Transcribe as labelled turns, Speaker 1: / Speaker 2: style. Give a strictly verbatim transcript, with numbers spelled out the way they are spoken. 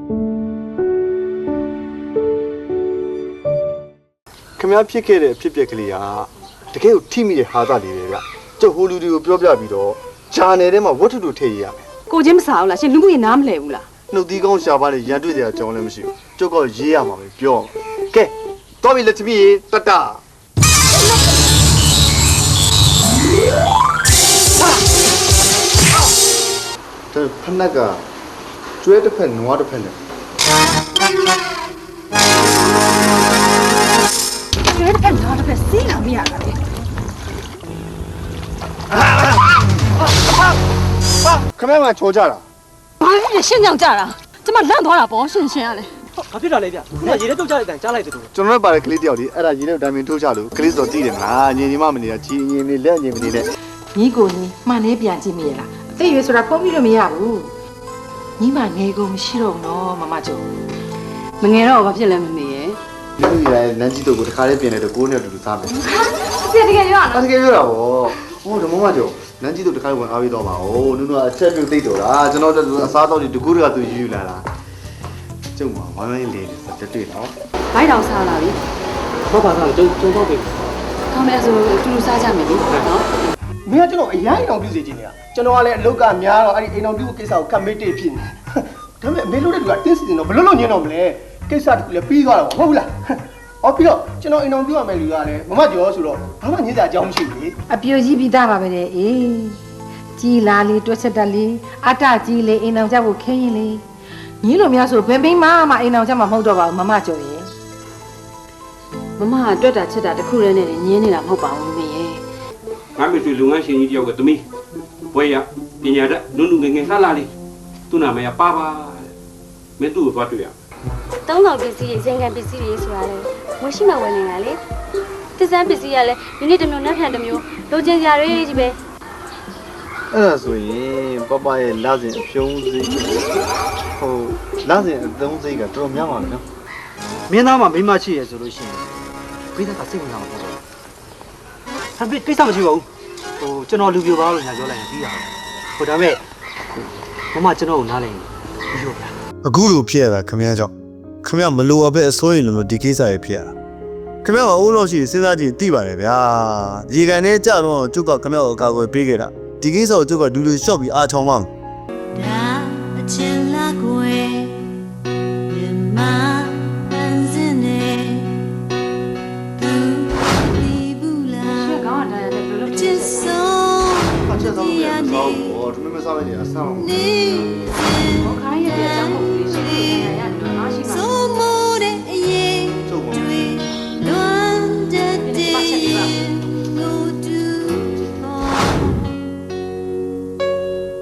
Speaker 1: ခင်ဗျားဖြစ်ခဲ့တဲ့အဖြစ်အပျက်ကလေးကတကယ်ကိုထိမိတဲ့ဟာသားလေးတွေကကျုပ်ဟိုလူတွေကိုပြောပြပြီးတော့ဂျာနယ်ထဲမှာဝတ္ထုတို့ထည့်ရရမယ်
Speaker 2: ကိုချင်းမစားဘူးလားရှင်လူမှုရေးနားမလဲဘူးလား
Speaker 1: နှုတ်သီးကောင်းရှာပါလေရန်တွေ့စရာအကြောင်းလည်းမရှိဘူးကျုပ်ကရေးရမှာပဲပြောကဲတော်ပြီလက်ချမီတတဒါဖနက်ကကျွဲတစ်ဖက်နွားတစ်ဖက်နဲ့
Speaker 2: ကျွဲတစ်ဖက်နွားတစ်ဖက်စီးလာမရတာလေ
Speaker 1: ခမဲမှာချိုးကြတာ
Speaker 2: ဘာလဲရှင်းကြောင်ကြတာကျမလန့်သွားတာပေါ့ရှင်းရှင်းရလေ
Speaker 3: ဘာဖြစ်တာလဲဗျခုနရေထဲတုတ်ကြတဲ့အတိုင်းကြားလိုက်တယ်သူ
Speaker 1: ကျွန်တော်တို့ပါတဲ့ကလေးတယောက်ဒီအဲ့ဒါရေထဲတိုင်ပင်ထိုးချလို့ကလေးစော်တည်တယ်မလားညင်ညီမမနေတာကြီးရင်နေလက်ညင်မနေနဲ့
Speaker 4: ညီကိုညီမှန်နေပြန်ကြည့်မိရလားအသက်ရွယ်ဆိုတာဖုံးပြီးလို့မရဘူးညီမငယ်ကုန်မရှိတော့ဘူးနော်မမကျော်
Speaker 2: မငယ်တော့ဘာဖြစ်လဲမမေရဲ့
Speaker 1: ဒီလိုရနန်းကြီးတို့ကိုတခါလေးပြင်နေတော့ကိုးနဲ့အတူတူစားမယ်
Speaker 2: ပြတကယ်ပြောရနော်
Speaker 1: တကယ်ပြောတာဗောဟိုဓမ္မမကျော်နန်းကြီးတို့တခါလေးဝင်အားပေးတော့ပါဦးနုနုကအချက်ပြုတ်သိတော့တာကျွန်တော်တို့အစားတော့ဒီတကူတွေကသူယူယူလာတာကျုံမှာဝိုင်းဝိုင်းလေးလေးစတက်တွေ့တော့
Speaker 2: ဘိုက်တောင်စားလာပြီ
Speaker 3: ဘာဘာသာကျုံကျုံတော့ပြီ
Speaker 2: ကောင်းမယ်ဆိုအတူတူစားကြမယ်လေနော်
Speaker 3: မင်းကကျွန်တော်အရင်အိမ်အောင်ပြုစီခြင်းနေတာကျွန်တော်ကလည်းအလုတ်ကများတော့အဲ့ဒီအိမ်အောင်ပြုကိစ္စကိုကမစ်တေဖြစ်နေဒါပေမဲ့အမေလို့တဲ့လူကတင်းစီနေတော့ဘလို့လို့ညင်းတော့မလဲကိစ္စတခုလည်းပြီးသွားတော့ဟုတ်ဘူးလားအော်ပြီးတော့ကျွန်တော်အိမ်အောင်ပြုရမယ်လူကလည်းမမကျော်ဆိုတော့ဘာမှညင်းစရာအကြောင်းမရှိဘူးလေ
Speaker 4: အပြိုကြီးပြီးသားပါပဲလေအေးကြီးလာလေတွက်ချက်တက်လေအတကြီးလေအိမ်အောင်ကြဖို့ခင်းရင်လေညီလိုများဆိုဘယ်ဘိန်းမမအိမ်အောင်ကြမှာမဟုတ်တော့ပါဘူးမမကျော်ရဲ့
Speaker 2: မမကတွက်တာချက်တာတခုတည်းနဲ့ညင်းနေတာမဟုတ်ပါဘူးမင်းရဲ့
Speaker 5: ငါမိတ်ဆွေလုပ်ငန်းရှင်ကြီးတယောက်ကသမီးဘွဲရပညာတတ်နုနုငယ်ငယ်လှလှလေးသူ့နာမည်ကပါပါမင်းသူ့ကိုသွားတွေ့ရ
Speaker 6: သုံးဆောင်ပစ္စည်းတွေဇင်ကန်ပစ္စည်းတွေဆိုတာလေဝယ်ရှိမှဝယ်နေတာလေသစ္စာပစ္စည်းကလည်းဒီနေ့တစ်မျိုးနောက်ထပ်တစ်မျိုးလိုချင်ကြရဲကြီးပဲ
Speaker 1: အဲ့ဒါဆိုရင်ပပရဲ့လစဉ်အဖြုံးစိဟိုလစဉ်အသုံးစိကတော်တော်များပါမယ်နော်
Speaker 3: မင်းသားမှာမိမရှိရဆိုလို့ရှိရင်ပြိဿကစိတ်ဝင်စားမှာပေါ့ဟာပြကိစ္စမရှိပါဘူးဟိုကျွန်တော်လူပြိုပါလို့ညာပြောလိုက်ရင်ပြီးတာဟိုဒါပေမဲ့မမကျွန်တော်ကိုနားလည်ပြီးရောဗျာ
Speaker 1: အခုလိုဖြစ်ရတာခမရကြောင့်ခမရမလိုအပ်ပဲအစိုးရလို့ဒီကိစ္စတွေဖြစ်ရတာခမရကအိုးလို့ရှိစဉ်းစားကြည့်သိပါတယ်ဗျာရေကန်ထဲကြတော့ကျုပ်ကခမရကိုအကာအကွယ်ပေးခဲ့တာဒီကိစ္စကိုကျုပ်ကဒူးလူရှော့ပြီးအားချောင်းမှ